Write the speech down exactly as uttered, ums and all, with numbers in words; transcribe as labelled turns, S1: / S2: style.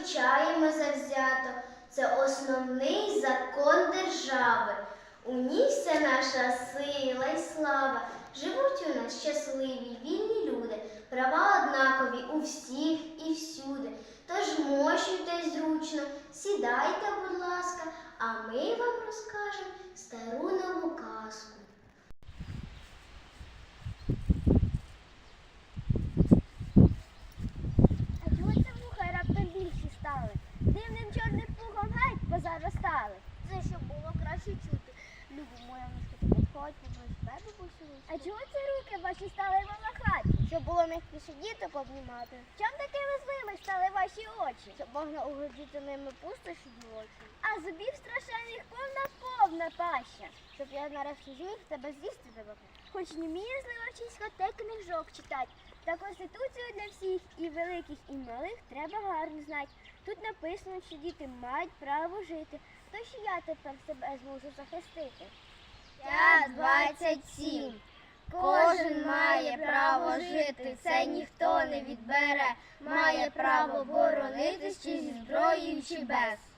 S1: вивчаємо завзято. Це основний закон держави. У ній вся наша сила й слава. Живуть у нас щасливі, вільні люди, права однакові у всіх і всюди. Тож мощуйтесь зручно, сідайте, будь ласка, а ми вам розкажемо стару нову казку.
S2: А чого це вуха раптом більші стали? Дивним чорним пухом геть позаростали. Це щоб було краще чути. Любо моя мишка, ти підходь, попроси тебе посилити. А чого це руки ваші стали вимахати? Щоб було м'якіше діти пообнімати. Чом такими злими стали ваші очі? Щоб можна угодити ними пустоші дівочі. А зубів страшенних повна-повна паща. Щоб я нарешті зміг тебе з'їсти тебе. Хоч не вміє зливочисько те книжок читать. Та Конституцію для всіх, і великих, і малих, треба гарно знати. Тут написано, що діти мають право жити. То що я тепер себе зможу захистити?
S3: Я двадцять сім. Кожен має право жити, це ніхто не відбере. Має право боронитись чи зі зброєю, чи без.